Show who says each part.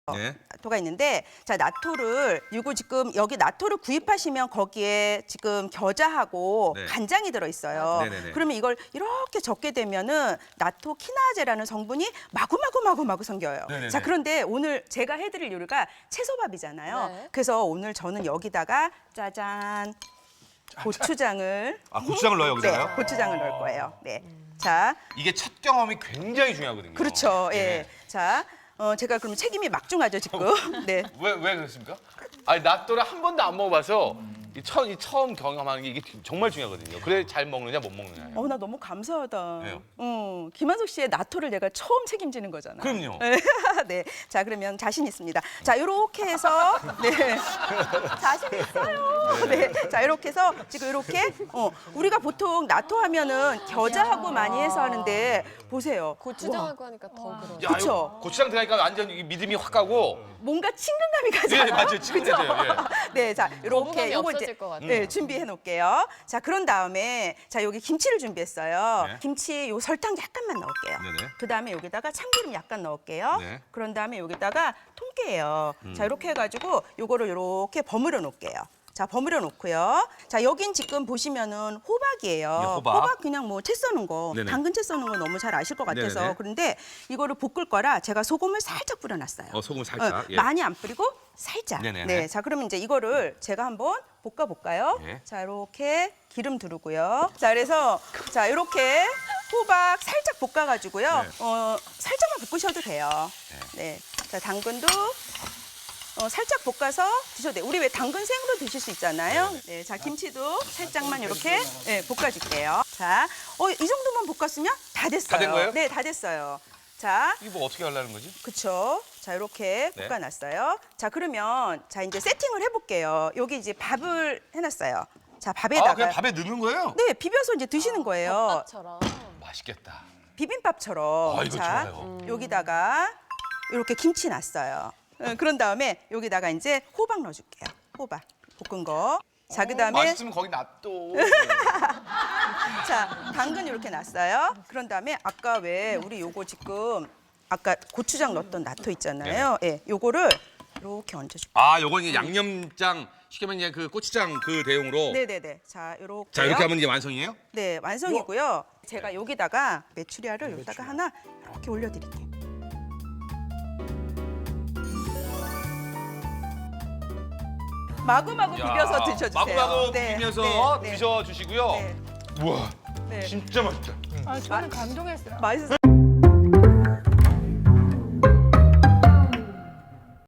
Speaker 1: 네.
Speaker 2: 나토가 있는데, 자, 나토를 이거 지금 여기 나토를 구입하시면 거기에 지금 겨자하고
Speaker 1: 네.
Speaker 2: 간장이 들어 있어요.
Speaker 1: 네네네.
Speaker 2: 그러면 이걸 이렇게 적게 되면은 나토 키나제라는 성분이 마구마구 생겨요.
Speaker 1: 네네네.
Speaker 2: 자, 그런데 오늘 제가 해드릴 요리가 채소밥이잖아요.
Speaker 3: 네.
Speaker 2: 그래서 오늘 저는 여기다가 짜잔 고추장을
Speaker 1: 고추장을 넣어요, 여기다가요?
Speaker 2: 네, 고추장을 넣을 거예요. 네. 자,
Speaker 1: 이게 첫 경험이 굉장히 중요하거든요.
Speaker 2: 그렇죠. 예.
Speaker 1: 네.
Speaker 2: 자, 제가 그럼 책임이 막중하죠 지금. 네.
Speaker 4: 왜 그렇습니까? 아니 나또를 한 번도 안 먹어봐서 이 처음 경험하는 게 이게 정말 중요하거든요. 그래 잘 먹느냐 못 먹느냐.
Speaker 2: 나 너무 감사하다.
Speaker 1: 왜요?
Speaker 2: 김한석 씨의 나토를 내가 처음 책임지는 거잖아.
Speaker 1: 그럼요.
Speaker 2: 네. 자, 그러면 자신 있습니다. 자, 이렇게 해서 네. 자신 있어요. 네. 자, 이렇게 해서 지금 이렇게 우리가 보통 나토 하면은 겨자하고 많이 해서 하는데 보세요.
Speaker 3: 고추장하고 하니까 더 그러네.
Speaker 4: 야,
Speaker 2: 그쵸?
Speaker 4: 이거 고추장 들어가니까 완전 이 믿음이 확 가고.
Speaker 2: 뭔가 친근감이 가잖아요.
Speaker 4: 예, 맞아요. 친근해져요.
Speaker 2: 네, 자, 이렇게
Speaker 3: 거부감이
Speaker 2: 요거
Speaker 3: 없어질 것 같아요.
Speaker 2: 네, 준비해 놓을게요. 자, 그런 다음에 자, 여기 김치를 준비했어요.
Speaker 1: 네.
Speaker 2: 김치 요 설탕 약간만 넣을게요.
Speaker 1: 네네.
Speaker 2: 그다음에 여기다가 참기름 약간 넣을게요.
Speaker 1: 네.
Speaker 2: 그런 다음에 여기다가 통깨예요. 자, 이렇게 해 가지고 요거를 이렇게 버무려 놓을게요. 자, 버무려 놓고요. 자, 여긴 지금 보시면은 호박이에요.
Speaker 1: 네, 호박.
Speaker 2: 그냥 뭐 채 써는 거,
Speaker 1: 네네.
Speaker 2: 당근 채 써는 거 너무 잘 아실 것 같아서
Speaker 1: 네네네.
Speaker 2: 그런데 이거를 볶을 거라 제가 소금을 살짝 뿌려놨어요.
Speaker 1: 소금 살짝. 예.
Speaker 2: 많이 안 뿌리고 살짝.
Speaker 1: 네네네.
Speaker 2: 네, 자, 그러면 이제 이거를 제가 한번 볶아 볼까요?
Speaker 1: 예.
Speaker 2: 자, 이렇게 기름 두르고요. 자, 그래서 자, 이렇게 호박 살짝 볶아 가지고요.
Speaker 1: 네.
Speaker 2: 살짝만 볶으셔도 돼요. 네. 자, 당근도 살짝 볶아서 드셔도 돼요. 우리 왜 당근 생으로 드실 수 있잖아요. 네, 자, 김치도 살짝만 이렇게 볶아줄게요. 자, 이 정도만 볶았으면 다 됐어요.
Speaker 4: 다 된 거예요?
Speaker 2: 네, 다 됐어요. 자,
Speaker 4: 이거 뭐 어떻게 하려는 거지?
Speaker 2: 그쵸. 자, 이렇게
Speaker 4: 네.
Speaker 2: 볶아놨어요. 자, 그러면 자, 이제 세팅을 해볼게요. 여기 이제 밥을 해놨어요. 자, 밥에다가.
Speaker 1: 그냥 밥에 넣는 거예요?
Speaker 2: 네, 비벼서 이제 드시는 거예요.
Speaker 3: 덮밥처럼.
Speaker 4: 맛있겠다.
Speaker 2: 비빔밥처럼.
Speaker 4: 이거
Speaker 2: 자,
Speaker 4: 좋아요.
Speaker 2: 여기다가 이렇게 김치 놨어요. 그런 다음에 여기다가 이제 호박 넣어줄게요. 호박 볶은 거. 자, 그다음에
Speaker 4: 맛있으면 거기 놔둬.
Speaker 2: 자, 당근 이렇게 놨어요. 그런 다음에 아까 왜 우리 요거 지금 아까 고추장 넣었던 나토 있잖아요. 예, 요거를 이렇게 얹어줄게요.
Speaker 1: 요건 이제 양념장 쉽게 말하면 이제 그 고추장 그 대용으로.
Speaker 2: 네네네. 자, 요렇게.
Speaker 1: 자, 이렇게 하면 이제 완성이에요?
Speaker 2: 네, 완성이고요. 제가 여기다가 메추리알을 여기다가 하나 이렇게 올려드릴게요. 마구마구 비벼서 드셔주세요.
Speaker 4: 마구마구
Speaker 2: 네,
Speaker 4: 비벼서
Speaker 2: 네, 네.
Speaker 4: 드셔주시고요.
Speaker 2: 네.
Speaker 4: 우와,
Speaker 2: 네.
Speaker 4: 진짜 맛있다.
Speaker 5: 저는 감동했어요.
Speaker 2: 맛있어요.